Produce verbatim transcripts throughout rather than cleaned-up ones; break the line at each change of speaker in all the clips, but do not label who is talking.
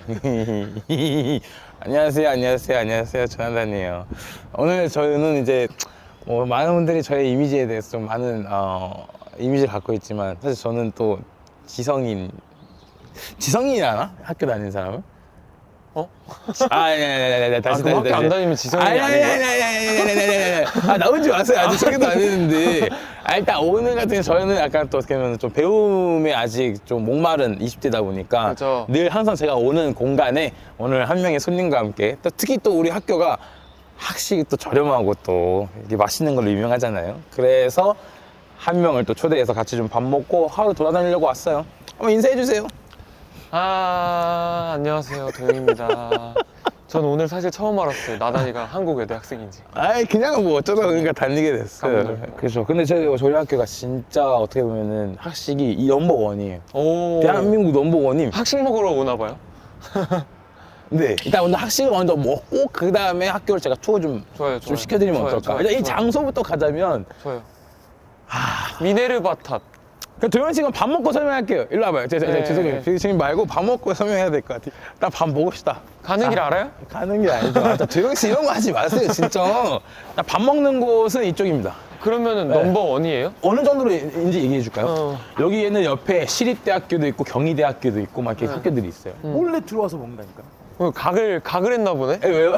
안녕하세요, 안녕하세요, 안녕하세요. 조나단이에요. 오늘 저희는 이제 뭐 많은 분들이 저의 이미지에 대해서 좀 많은 어, 이미지를 갖고 있지만 사실 저는 또 지성인, 지성인이라나? 학교 다니는 사람은?
어?
아, 아니, 아니, 아니, 아니, 다시,
아, 그럼
다시,
학교 안
다시.
다니면 지성인이
아니, 아니,
아닌
아니,
거야?
아니, 아니, 아니, 아니, 아니, 아니. 아, 나오지 마세요. 아직 소개도 안 했는데. 아, 일단 오늘 같은 경우 저희는 약간 또 어떻게 보면 좀 배움에 아직 좀 목마른 이십 대다 보니까
그렇죠.
늘 항상 제가 오는 공간에 오늘 한 명의 손님과 함께 또 특히 또 우리 학교가 학식이 또 저렴하고 또 이게 맛있는 걸로 유명하잖아요. 그래서 한 명을 또 초대해서 같이 좀 밥 먹고 하루 돌아다니려고 왔어요. 한번 인사해 주세요.
아, 안녕하세요. 도영입니다. 전 오늘 사실 처음 알았어요. 나단이가 한국 외대 학생인지.
아이 그냥 뭐 어쩌다 보니까 다니게 됐어요.
감동.
그렇죠. 근데 저희, 저희 학교가 진짜 어떻게 보면은 학식이 이 넘버 원이에요.
오.
대한민국 넘버 원임.
학식 먹으러 오나 봐요?
네. 일단 오늘 학식을 먼저 먹고 그 다음에 학교를 제가 투어 좀,
좋아요,
좀
좋아요.
시켜드리면
좋아요,
어떨까?
좋아요,
일단 이
좋아요.
장소부터 가자면
좋아요. 미네르바 탑.
그럼 도현 씨가 밥 먹고 설명할게요. 일로 와봐요. 제, 제,
네.
죄송해요. 지금 말고 밥 먹고 설명해야 될 것 같아요. 나 밥 먹읍시다.
가는 길 알아요?
가는 게 아니죠. 아, 도현 씨 이런 거 하지 마세요, 진짜. 나 밥 먹는 곳은 이쪽입니다.
그러면은
네.
넘버 원이에요?
어느 정도로인지 얘기해 줄까요?
어.
여기에는 옆에 시립대학교도 있고 경희대학교도 있고 막 이렇게 학교들이 있어요.
몰래 들어와서 먹는다니까.
어, 각을, 각을 했나 보네?
에, 왜요?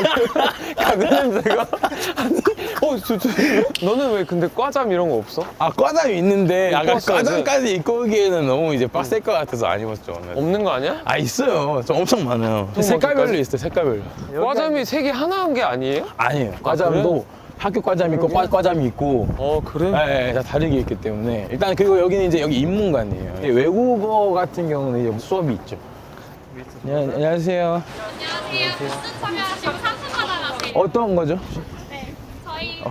각을 냄새가? 아니, 어, 저, 저, 너는 왜 근데 과잠 이런 거 없어?
아, 과잠이 있는데 아까
왔어야지.
과잠까지 입고 오기에는 너무 이제 빡셀 것 같아서 안 입었죠, 오늘.
없는 거 아니야?
아, 있어요. 저 엄청 많아요.
좀
색깔별로
어디까지?
있어요, 색깔별로.
과잠이 세 개 하나 한 게 아니에요?
아니에요. 과잠도 학교 과잠이 있고 과 과잠이 있고
어, 그래?
네, 다 다르게 있기 때문에 일단 그리고 여기는 이제 여기 인문관이에요. 외국어 같은 경우는 이제 수업이 있죠. 안녕- 안녕하세요.
안녕하세요. 부스 참여하시고 상품 받아가세요.
어떤 거죠?
네, 저희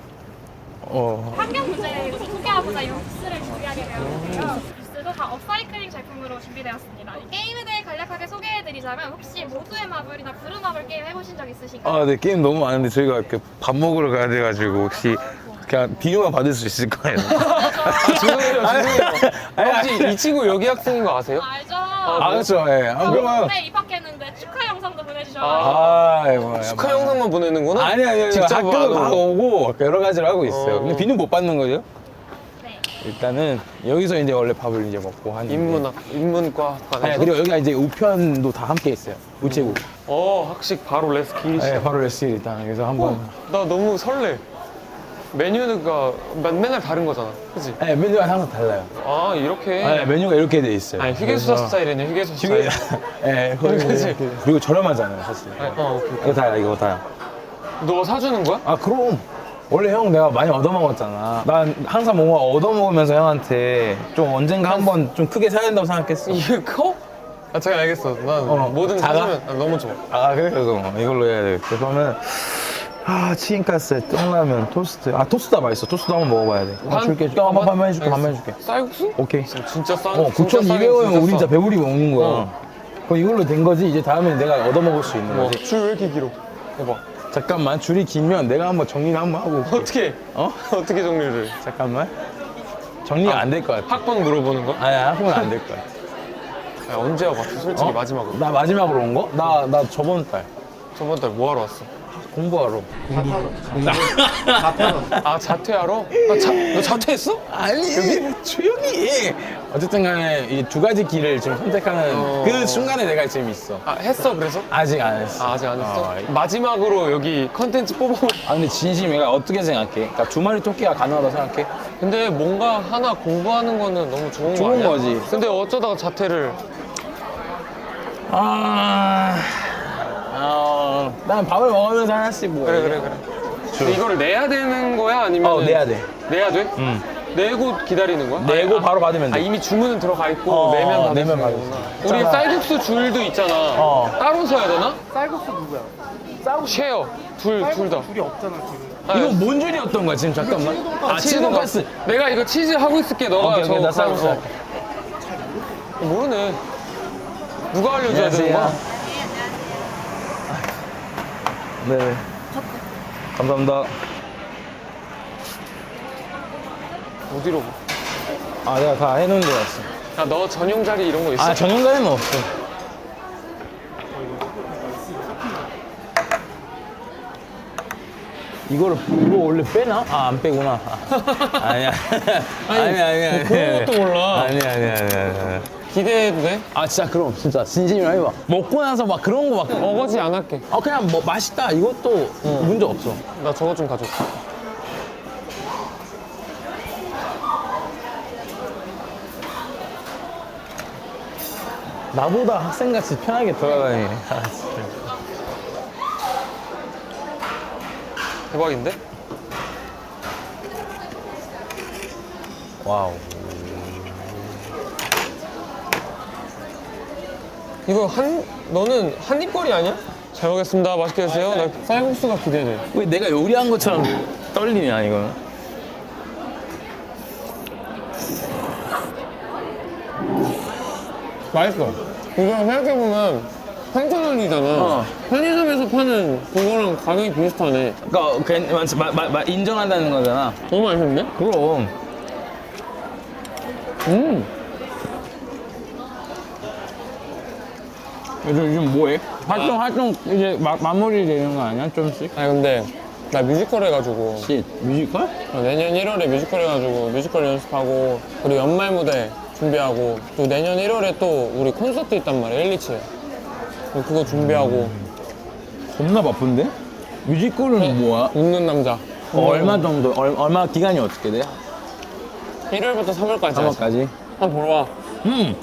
어,
환경 문제에 소개하고자 이 부스를 준비하게 되었는데요. 부스도 다 업사이클링 제품으로 준비되었습니다. 이 게임에 대해 간략하게 소개해드리자면 혹시 모두의 마블이나 부른 마블 게임 해보신 적 있으신가요?
아, 네, 게임 너무 많은데 저희가 이렇게 밥 먹으러 가야 돼가지고 혹시 그냥 비료만 받을 수 있을 거예요.
죄송해요, 죄송해요.
아니,
혹시 이 친구 여기 학생인 거 아세요?
알죠?
아, 그렇죠. 예. 아, 그러면.
네, 입학했는데 축하 영상도 보내주셔가지고
아, 아이고.
축하 영상만 보내는구나?
아니, 아니, 아니.
직접
학교도
안 오고.
가오고 여러 가지를 하고 있어요.
어.
근데 비는 못 받는 거죠?
네.
일단은 여기서 이제 원래 밥을 이제 먹고 하는데.
인문학, 인문과
아니,
관해서?
그리고 여기가 이제 우편도 다 함께 있어요. 우체국.
어, 학식 바로 레스키.
네, 바로 레스일 일단. 그래서 한번.
어, 나 너무 설레. 메뉴가 맨- 맨날 다른 거잖아. 그치?
네, 메뉴가 항상 달라요.
아, 이렇게?
네, 메뉴가 이렇게 돼 있어요.
아니, 휴게소사
그래서-
스타일이네, 휴게소
휴게,
스타일.
네, 거기
그치?
이렇게. 그리고 저렴하잖아요, 사실.
아니, 어, 오케이.
이거 다야, 이거 다야.
너 사주는 거야?
아, 그럼. 원래 형 내가 많이 얻어먹었잖아. 난 항상 뭔가 얻어먹으면서 형한테 좀 언젠가 한번 좀 크게 사야 된다고 생각했어.
이게 커? 아, 제가 알겠어. 난
어,
뭐든
작아?
사주면 난 너무 좋아.
아, 그래? 그럼 이걸로 해야 되겠다. 그러면, 아, 치킨가스, 떡라면, 토스트. 아, 토스트가 맛있어. 토스트 한번 먹어봐야 돼. 아,
반?
줄게. 줄게. 한번,
반?
한번 해줄게. 한번
알겠어.
해줄게.
쌀국수?
오케이.
진짜 싸.
어,
진짜 싸게,
구천이백 원이면
진짜
우리 진짜
싸.
배부리 먹는 거야.
어.
그럼 이걸로 된 거지. 이제 다음에 내가 얻어먹을 수 있는
어,
거지.
줄 왜 이렇게 길어? 해봐.
잠깐만, 줄이 길면 내가 한번 정리를 한번 하고 올게.
어떻게?
어?
어떻게 정리를?
잠깐만. 정리가 안 될 것 같아.
학번 물어보는 거야?
아니, 학교는 안 될 것 같아.
야, 언제 와봤어? 솔직히
어?
마지막으로.
나 마지막으로 온 거? 나, 나 저번 달.
저번 달 뭐 하러 왔어?
공부하러.
아, 자퇴하러? 아, 자, 너 자퇴했어?
아니, 조용히 해. 어쨌든 간에 이 두 가지 길을 지금 선택하는
어.
그 순간에 내가 지금 있어.
아, 했어, 그래서?
아직 안 했어.
아, 아직 안 했어?
어,
마지막으로 여기 컨텐츠 뽑아볼.
아, 근데 진심 얘가 어떻게 생각해? 그러니까 두 마리 토끼가 가능하다고 생각해?
근데 뭔가 하나 공부하는 거는 너무 좋은 거
좋은
아니야?
거지.
근데 어쩌다가 자퇴를.
아, 어, 난 밥을 먹으면서 하나씩 뭐.
그래, 그래, 그래. 근데 이거를 내야 되는 거야? 아니면.
어, 내야 돼.
내야 돼?
응.
내고 기다리는 거야?
내고
아,
바로 받으면 돼.
아, 이미 주문은 들어가 있고
어,
내면 받을
내면
수
받을
있구나.
수
우리
있잖아.
쌀국수 줄도 있잖아.
어.
따로 서야 되나?
쌀국수 누구야?
쉐어. 둘, 둘 다.
둘이 없잖아 지금.
아,
이거 뭔 줄이었던 거야, 지금 잠깐만? 아, 치즈 돈가스.
내가 이거 치즈 하고 있을게. 너가
오케이, 오케이,
저
나 쌀국수
어.
할게.
모르네. 누가 알려줘야 되는 거야?
네. 감사합니다.
어디로?
아, 내가 다 해놓은 줄 알았어.
야, 너 전용 자리 이런 거 있어?
아, 전용자리는 없어. 이거를 이거 원래 빼나? 아 안 빼구나. 아, 아니야. 아니 아니야 아니야.
그런 것도 몰라.
아니야 아니야 아니야. 아니야.
기대해도 돼?
아 진짜 그럼 진짜 진심이라 해봐. 먹고 나서 막 그런 거 막.
어거지 안 할게.
아 그냥 뭐 맛있다 이것도 문제 없어.
나 저거 좀 가져올게.
나보다 학생같이 편하게 돌아다니네. 아, 진짜.
대박인데?
와우.
이거 한 너는 한입거리 아니야? 잘 먹겠습니다. 맛있게 드세요. 나 쌀국수가 기대돼.
왜 내가 요리한 것처럼 떨리냐 이거는?
맛있어. 이거 생각해보면 삼천 원이잖아.
어.
편의점에서 파는 그거랑 가격이 비슷하네.
그러니까 괜- 마, 마, 마, 인정한다는 거잖아.
너무 맛있는데?
그럼.
음.
요즘 요즘 뭐해? 활동 활동 이제 마, 마무리 되는 거 아니야 좀씩?
아니 근데 나 뮤지컬 해가지고
씨 뮤지컬?
어, 내년 일월에 뮤지컬 해가지고 뮤지컬 연습하고 그리고 연말 무대 준비하고 또 내년 일월에 또 우리 콘서트 있단 말이야 일리치에 그거 준비하고
겁나 바쁜데? 뮤지컬은 뭐야?
웃는 남자
어, 얼마 정도? 얼, 얼마 기간이 어떻게 돼?
일월부터 삼월까지
삼월까지?
한번 보러 와.
음.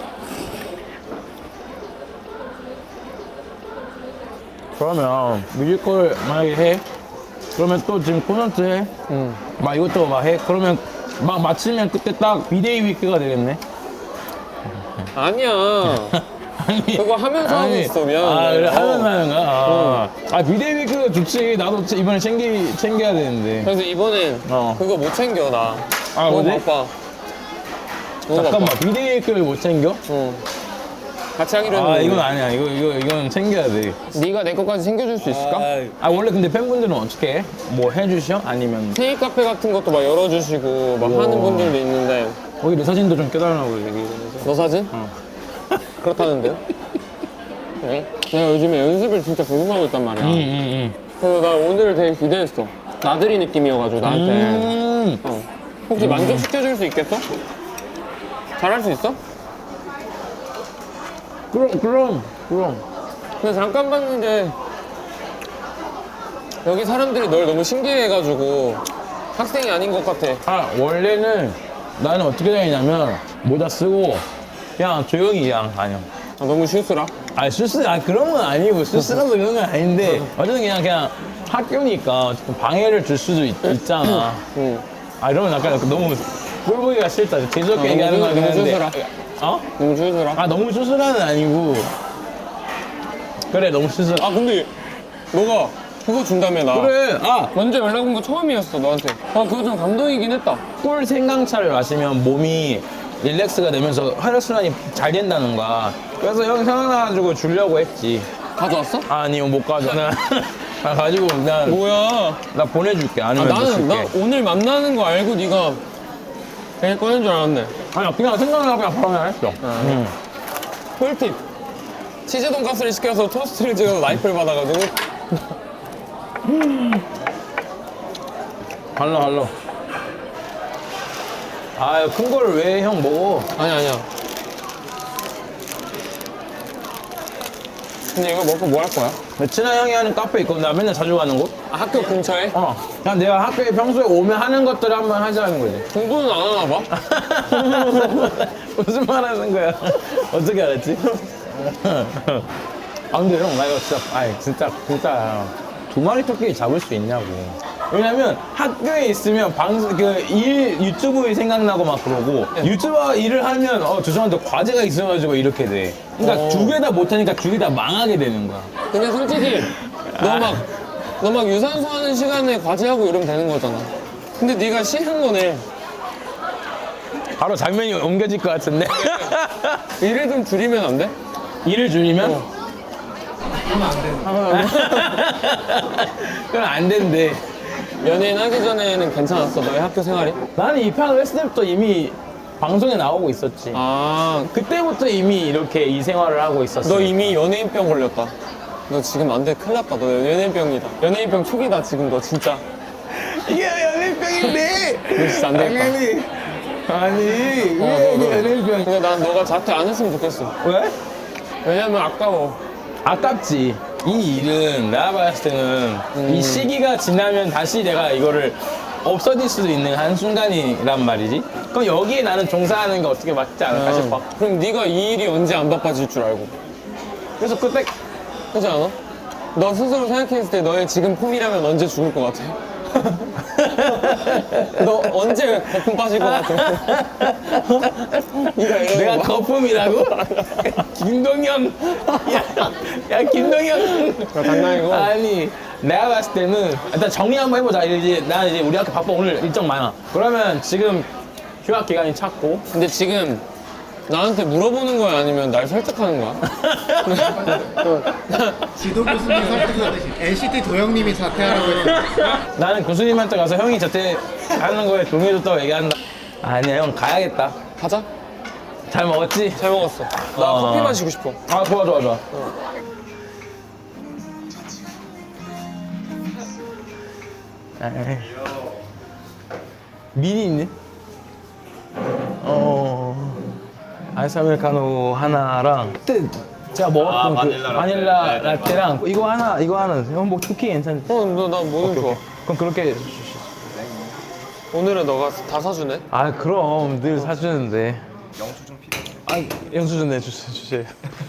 그러면 뮤지컬 만약에 해? 그러면 또 지금 콘서트 해?
응.
막 이것저것 막 해? 그러면 막 마치면 그때 딱 비데이 위크가 되겠네?
아니야
아니,
그거 하면서 하고 있어 미안한데
아 그래
어.
하면서 하는 거야? 아, 아 비데이 위크가 좋지. 나도 이번에 챙기, 챙겨야 되는데.
그래서 이번엔
어.
그거 못 챙겨 나
아,
너무
뭐지?
바빠 너무
잠깐만
바빠
비데이 위크를 못 챙겨?
응. 같이 하기로
아
했는데
이건 아니야. 이거 이거 이건 챙겨야 돼.
네가 내 것까지 챙겨줄 수 있을까?
아 원래 근데 팬분들은 어떻게 해? 뭐 해주셔? 아니면
테이 카페 같은 것도 막 열어주시고 막
우와.
하는 분들도 있는데
거기 내 사진도 좀 껴달라고 얘기해서.
너 사진?
어.
그렇다는데요? 네? 내가 요즘에 연습을 진짜 계속 하고 있단 말이야
응응응.
그래서 나 오늘 되게 기대했어 나들이 느낌이어가지고 나한테
음.
어. 혹시 만족시켜줄 수 있겠어? 잘할 수 있어?
그럼 그럼 그럼.
근데 잠깐 봤는데 여기 사람들이 널 너무 신기해해가지고 학생이 아닌 것 같아
아 원래는 나는 어떻게 다니냐면 모자 쓰고 그냥 조용히 그냥 다녀.
아, 너무 실수라?
아 수스 아 그런 건 아니고 수스라서 그런 건 아닌데 어쨌든 그냥 그냥 학교니까 조금 방해를 줄 수도 있, 있잖아.
응.
아 이러면 약간 너무 꼴보기가 싫다. 재수없게
아,
얘기하는
너무
건
너무
한데.
수스라.
어?
너무 실수라?
아 너무 수스라는 아니고. 그래 너무 수스.
아 근데 너가 그거 준다며 나
그래 아
먼저 연락 온 거 처음이었어 너한테 아 그거 좀 감동이긴 했다
꿀 생강차를 마시면 몸이 릴렉스가 되면서 혈액순환이 잘 된다는 거야. 그래서 형이 생각나가지고 주려고 했지.
가져왔어?
아니요 못 가져. 나, 나 가지고 나,
뭐야
나 보내줄게.
아,
아니면 못
나는 나
줄게.
오늘 만나는 거 알고 네가 그냥 꺼낸 줄 알았네
아니 그냥 생각나서 그냥 바로 그냥 했어. 응.
꿀팁 치즈 돈가스를 시켜서 토스트를 찍어서 라이프를 받아가지고
갈라 갈라. 아큰 거를 왜 형 먹어?
아니야 아니야 근데 이거 먹고 뭐 할 거야?
친한 형이 하는 카페 있거든. 나 맨날 자주 가는 곳.
아, 학교 근처에?
어. 그냥 내가 학교에 평소에 오면 하는 것들을 한번 하자는 거지.
공부는 안 하나 봐?
무슨 말 하는 거야? 어떻게 알았지? 아 근데 형 나 이거 진짜 아니 진짜 진짜 두 마리 토끼 잡을 수 있냐고. 왜냐면 학교에 있으면 방송 그일 유튜브 생각나고 막 그러고 유튜버 일을 하면 어 죄송한데 과제가 있어가지고 이렇게 돼. 그러니까
어.
두 개 다 못하니까 두 개 다 망하게 되는 거야.
근데 솔직히 너 막 너 막 유산소 하는 시간에 과제하고 이러면 되는 거잖아 근데 네가 싫은 거네
바로 장면이 옮겨질 것 같은데.
일을 좀 줄이면 안 돼?
일을 줄이면?
어.
그럼 안 된대.
연예인 하기 전에는 괜찮았어 너의 학교 생활이?
나는 이 편을 했을 때부터 이미 방송에 나오고 있었지.
아,
그때부터 이미 이렇게 이 생활을 하고 있었어.
너 이미 연예인병 걸렸다 너 지금 안 돼 큰일 났다 너 연예인병이다 연예인병 초기다 지금 너 진짜
이게 연예병인데.
너 진짜 안 되겠다.
당연히. 아니
어,
이게
너, 너.
연예병.
근데 난 너가 자퇴 안 했으면 좋겠어.
왜?
왜냐면 아까워.
아깝지. 이 일은 내가 봤을 때는 이 시기가 지나면 다시 내가 이거를 없어질 수도 있는 한순간이란 말이지. 그럼 여기에 나는 종사하는 게 어떻게 맞지 않을까 싶어.
그럼 네가 이 일이 언제 안 바빠질 줄 알고.
그래서 그때
그렇지 않아? 너 스스로 생각했을 때 너의 지금 폼이라면 언제 죽을 것 같아? 너 언제 거품 빠질 것 같아? 네가 이러는
내가
거 봐.
거품이라고? 김동현. 야, 야 김동현.
장난이고.
아니 내가 봤을 때는 일단 정리 한번 해보자. 이제 난 이제 우리 학교 바빠 오늘 일정 많아. 그러면 지금 휴학 기간이 찼고.
근데 지금 나한테 물어보는 거야 아니면 날 설득하는 거야?
지도 교수님 설득하듯이 엔시티 도영님이 자퇴하라고 했는데
나는 교수님한테 가서 형이 자퇴하는 거에 동의해줬다고 얘기한다. 아니야 형 가야겠다.
가자.
잘 먹었지?
잘 먹었어. 나
어.
커피 마시고 싶어.
아 좋아 좋아 좋아. 에이. 미니 있네? 어. 아이스 아메리카노 하나랑 그때 제가 먹었던
아,
그
바닐라 라떼.
바닐라
네, 네,
라떼랑 이거 하나 이거 하나 형 뭐 쿠키 괜찮지?
어, 너 나 뭐는 좋아.
그럼 그렇게
오늘은 너가 다 사주네.
아 그럼 늘 사주는데 영수증 필요해. 아 영수증 내주세요 주세요.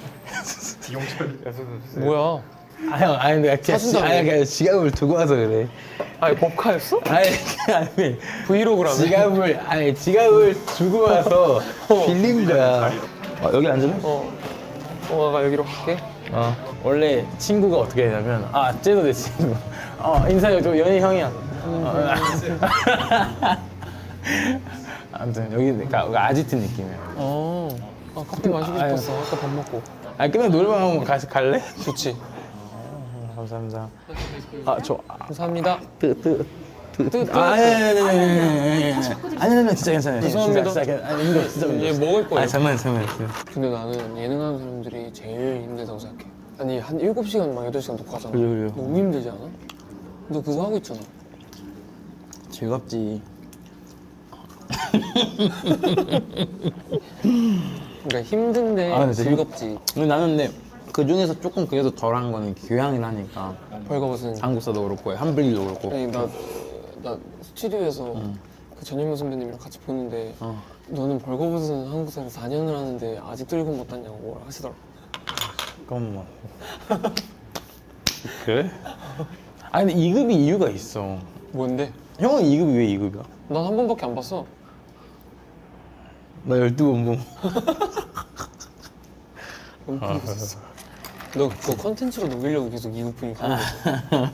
뭐야?
아 형 아니 내가 그냥 지,
사준다며.
아니 그냥 지갑을 두고 와서 그래.
아니 법카였어?
아니 아니
브이로그라며.
지갑을 아니 지갑을 두고 와서 빌린 거야. 어, 여기 앉을래?
어. 어, 나 여기로 갈게.
어. 원래 친구가 어떻게 되냐면 아 쟤도 내 친구. 어 인사해 저 연희 형이야. 어, 아무튼 여기 그러니까 여기 아지트 느낌이야.
어. 아, 커피 마시고
아유.
싶었어. 아까 밥 먹고.
아 끝나 노래방 한번 가서 갈래?
좋지.
감사합니다. 아저
감사합니다.
뜨뜨
뜨, 뜨.
아, 아니, 아니, 아니, 아니, 아니, 아니, 아니, 아니, 진짜 괜찮아요.
죄송합니다.
진짜, 진짜, 아니, 이거 진짜.
얘 먹을 거예요.
아, 장난, 장난.
근데 나는 예능하는 사람들이 제일 힘들다고 생각해. 아니 한 일곱 시간 막 여덟 시간 녹화하잖아.
그래요, 그래요.
너무 힘들지 않아? 너 그거 하고 있잖아.
즐겁지.
그러니까 힘든데
아, 근데
즐겁지.
근데 나는 근데 그 중에서 조금 그래도 덜한 거는 교양이라니까.
벌거벗은.
한국사도 그렇고, 한블리도 그렇고.
아니 나, 나 스튜디오에서 그 전현무 선배님이랑 같이 보는데
어.
너는 벌거벗은 한국사를 사 년을 하는데 아직도 일곱 못 땄냐고 뭐라 하시더라.
그럼 뭐. 그래? 아니, 근데 이 급이 이유가 있어.
뭔데?
형은 이 급이 왜 이 급이야?
난 한 번밖에 안 봤어.
나 열두 번 봄.
너무 봤었어. 너 그거 컨텐츠로 녹이려고 계속 이구푼이 가는 거야.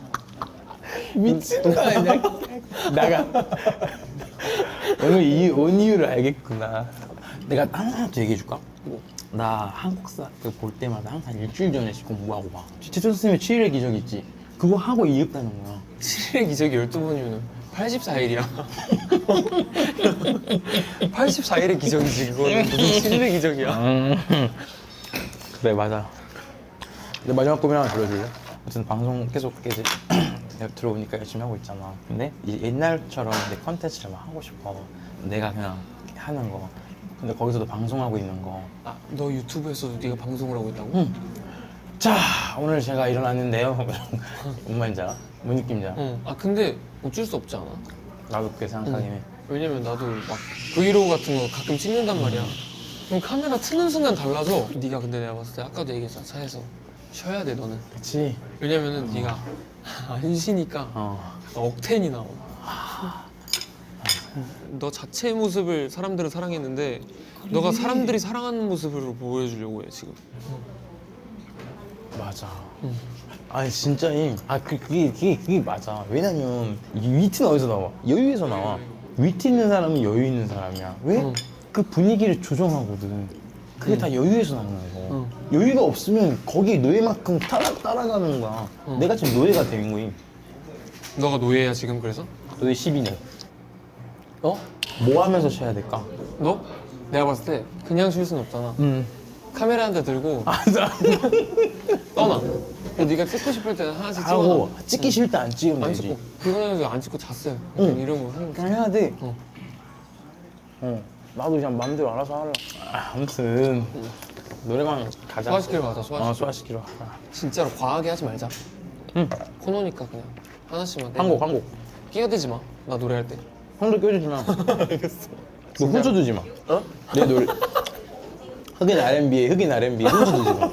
미친 거 아니야? 나가. 오늘 이, 온 이유를 알겠구나. 내가 하나 더 얘기해 줄까?
뭐?
나 한국사 그 볼 때마다 항상 일주일 전에씩 공부하고 봐. 최천 선생님의 칠일의 기적 있지? 그거 하고 이겼다는 거야.
칠일의 기적이 열두 번이면 팔십사 일이야. 팔십사 일의 기적이지 그거는. 무슨 칠일의 기적이야.
음. 그래 맞아. 내 마지막 꿈이 하나 들려줄래? 아무튼 방송 계속 이제 내가 들어오니까 열심히 하고 있잖아. 근데 이제 옛날처럼 내 컨텐츠를 막 하고 싶어. 내가 그냥 하는 거. 근데 거기서도 방송하고 있는 거.
아, 너 유튜브에서도 네가 방송을 하고 있다고?
응. 자 오늘 제가 일어났는데요. 뭔 말인지 알아? 뭔 느낌인지 알아?
응. 아 근데 어쩔 수 없지 않아?
나도 그렇게 생각하긴 해.
왜냐면 나도 막 브이로그 같은 거 가끔 찍는단 말이야. 그럼 카메라 트는 순간 달라져. 네가 근데 내가 봤을 때 아까도 얘기했잖아. 차에서 쉬어야 돼 너는.
그치?
왜냐면은 네가 안 쉬니까
어.
억텐이 나와. 너 자체의 모습을 사람들은 사랑했는데 너가 사람들이 사랑하는 모습으로 보여주려고 해 지금.
맞아. 아니 진짜 이, 아 그, 그게, 그게 그게 맞아. 왜냐면 이 위트는 어디서 나와? 여유에서 나와. 위트 있는 사람은 여유 있는 사람이야. 왜?
응.
그 분위기를 조정하거든. 그게 다 여유에서 나오는 거.
응.
여유가 없으면 거기에 노예만큼 따라 따라가는 거야.
응.
내가 지금 노예가 된 거임.
너가 노예야 지금 그래서?
노예 십이 년.
어?
뭐 하면서 쉬어야 될까?
너? 내가 봤을 때 그냥 쉴 순 없잖아.
음.
카메라 한 대 들고
아, 나
떠나. 네가 찍고 싶을 때는 하나씩 찍어.
하고 찍기 싫을 때 안 찍으면
안
되지.
찍고. 그거는 안 찍고 잤어요. 응. 이런 거 하는 거.
그냥 해야 돼.
어.
어. 나도 그냥 마음대로 알아서 할라. 아, 아무튼 노래방 가자.
소화시키러 가자. 소화시키러.
어, 소화시키러. 가.
진짜로 과하게 하지 말자.
응.
코너니까 그냥 하나씩만.
한 곡, 한 곡.
끼어들지 마. 나 노래할 때.
형도 껴주지 마.
알겠어.
너 혼자 두지 마.
어?
내 노래. 흑인 알앤비에 흑인 알앤비에 혼자 두지 마.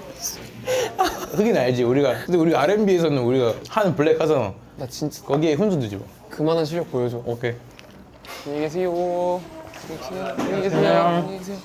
흑인 알지? 우리가 근데 우리가 알앤비에서는 우리가 하는 블랙 하잖아.
나 진짜
거기에 혼자 두지 마.
그만한 실력 보여줘.
오케이.
안녕히 계세요. 안녕히 계세요. 안녕히 계세요.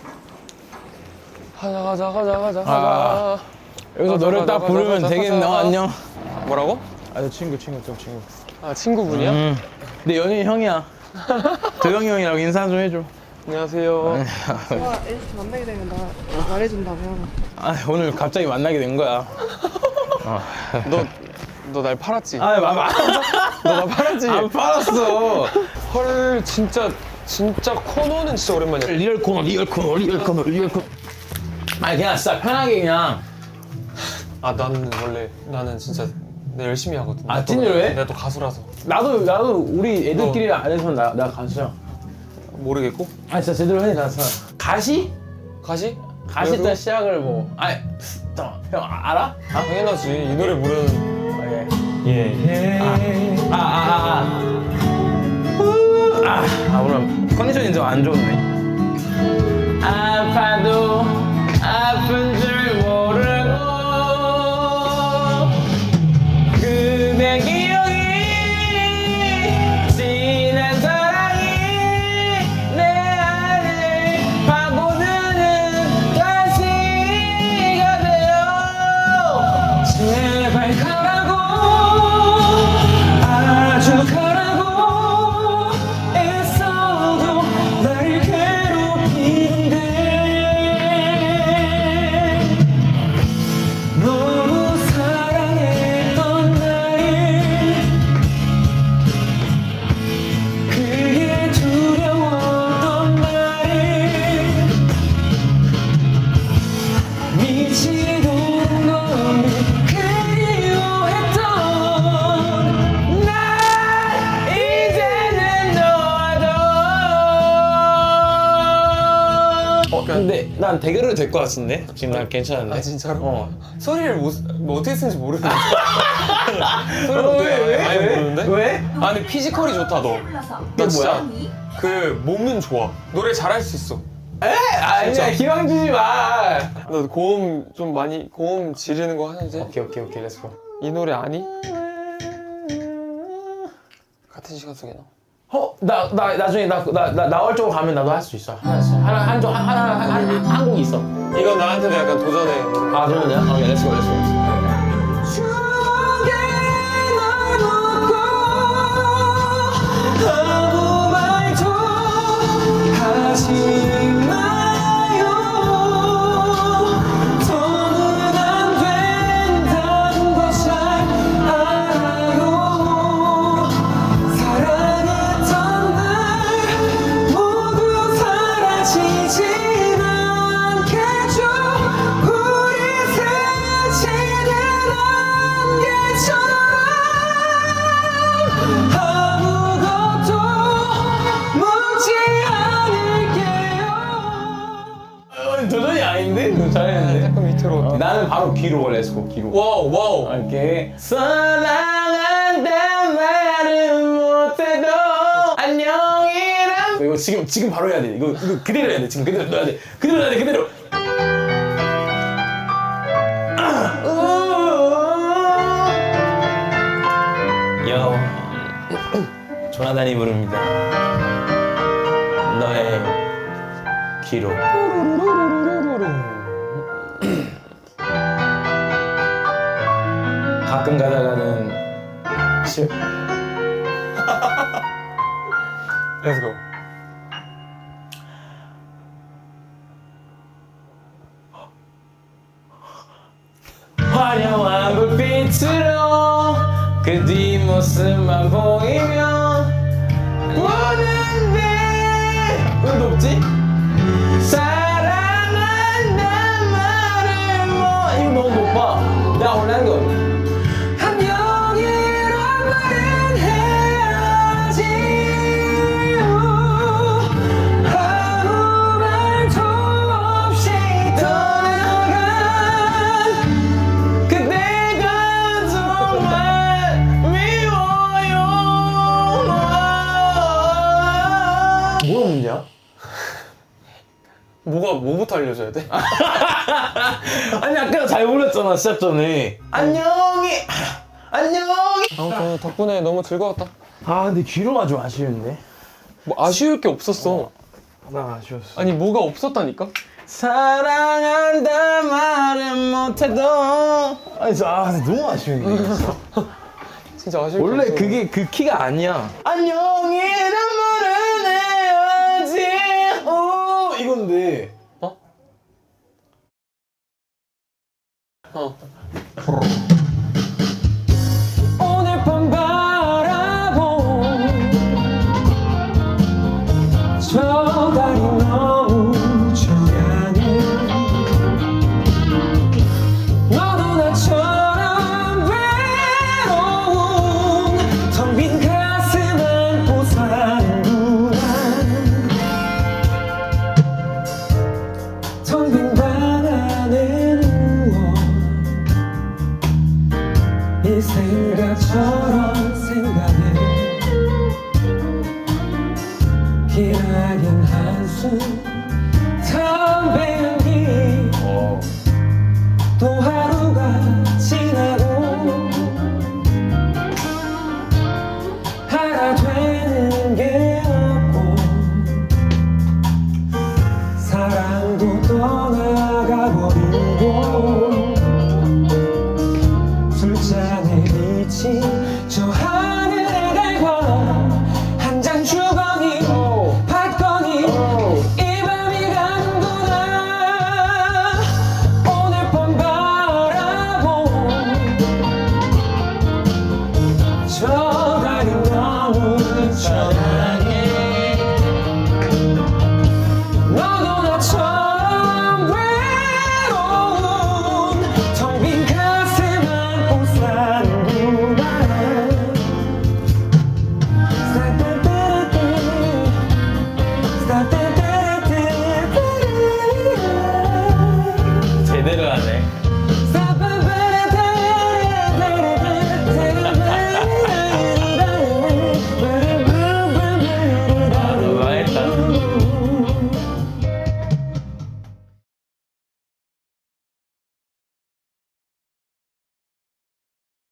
가자 가자 가자 가자
아.
가자.
여기서
가자,
노래
가자,
딱
가자,
부르면
가자,
되겠네.
가자.
어, 안녕.
뭐라고?
아, 저 친구 친구 좀 친구.
아 친구분이야?
음. 내 연예인 형이야. 도영이 형이라고 인사 좀 해줘.
안녕하세요.
제가 엘리트 만나게 되면 나 말해준다고요.
아, 오늘 갑자기 만나게 된 거야.
너 너 날 팔았지?
아, 마마.
너 나 팔았지?
안 팔았어.
헐 진짜 진짜 코너는 진짜 오랜만이야.
리얼 코너, 리얼 코너, 리얼 코너, 리얼 코너. 아니 그냥 진짜 편하게 그냥.
아 나는 원래 나는 진짜 내 열심히 하거든.
아,
내가 또-
찐으로 해?
내가 또 가수라서.
나도 나도 우리 애들끼리 안 해서 나, 나 가수야.
모르겠고?
아 진짜 제대로 해 나서. 가시?
가시?
가시
그래도?
때 시작을 뭐. 아니 잠깐 형 알아? 아,
당연하지. 이 노래 부르는.
예. 아, 아, 아, 아. 우, 아, 아, 오늘 컨디션이 좀 안 좋네. 아파도 아픈 줄 모르고 그대 기억이 지난 사랑이 내 안을 파고드는 가시가 되어 제발 가라고 아주 가라고 애써도 날 괴롭히는데 너무 사랑했던 나를 그게 두려웠던 나를 미치도록 너를 그리워했던 날 이제는 너와도 어 근데 난 대결을 될 것 같은데 지금 난 괜찮은데
아 진짜로?
어.
소리를 못, 뭐 어떻게 쓰는지 모르는데. 소리를
어,
어떻게
왜, 왜,
아예
왜?
모르는데?
왜?
아 근데 피지컬이 좋다 너. 너 진짜 그 몸은 좋아. 노래 잘할 수 있어.
에? 아니야 기왕 주지 마.
너 고음 좀 많이 고음 지르는 거 하는지?
오케이 오케이 오케이 렛츠고.
이 노래 아니? 같은 시간 속에 나.
어? 나, 나 나중에 나, 나, 나 나올 쪽으로 가면 나도 할 수 있어. 하나씩. 하나 한쪽 하나 하나 한, 한 곡 있어.
이건 나한테도 약간 도전해.
아 그러면 오케이 렛츠고 렛츠고. 아무 말도 하지 마요. 더는 안 된다는 거 잘 알아요. 사랑했던 날 모두 사라지진 않겠죠. 우리 스치는 안개처럼 아무것도 묻지 않을게요. 어, 도전이 아닌데? 잘했는데.
약간 밑으로.
어, 나는 바로 귀로 렛츠고 귀로.
와우 와우.
이렇게 사랑한단 말은 못해도 안녕이란 이거 지금 지금 바로 해야 돼. 이거 이거 그대로 해야 돼. 지금 그대로 넣어야 돼. 그대로 해야 돼. 그대로. 아, 우. 여 조나단이 부릅니다. 너의 귀로. 가끔 가다가는 시...
Let's go.
화려한 불빛으로 그 뒷모습만 보이면 보는데 왜 높지? 사랑한단
뭐가 뭐부터 알려줘야 돼?
아니 아까 잘 불렀잖아 시작 전에. 안녕히 안녕히.
아무튼 덕분에 너무 즐거웠다.
아 근데 귀로가 좀 아쉬운데.
뭐 아쉬울 게 없었어.
나 아쉬웠어.
아니 뭐가 없었다니까?
사랑한다 말은 못해도. 아니 저 아, 근데 너무 아쉬운데.
진짜 아쉬울 게
원래
없어.
그게 그 키가 아니야. 안녕이란 말은 해야지. 오 이건데.
어? 어. 오늘 밤 바라본 저 달이 너무 조용해. 너도 나처럼 외로운 텅 빈 가슴 안고 사는구나. 텅 빈 방 안에 누워 이 생각처럼 생각해. 기나긴 한숨 담배 연기 또 하루가 지나고 하나 되는 게 없고 사랑도 떠나가 버리고 술잔에 비친 저 하늘의 달과 한 장 주거니 받거니 이 밤이 가는구나. 오늘 밤 바라본 저 달이 너무 찬란해. 너도 나처럼 외로운 텅 빈 가슴 안고 사는구나.
제대로 하네.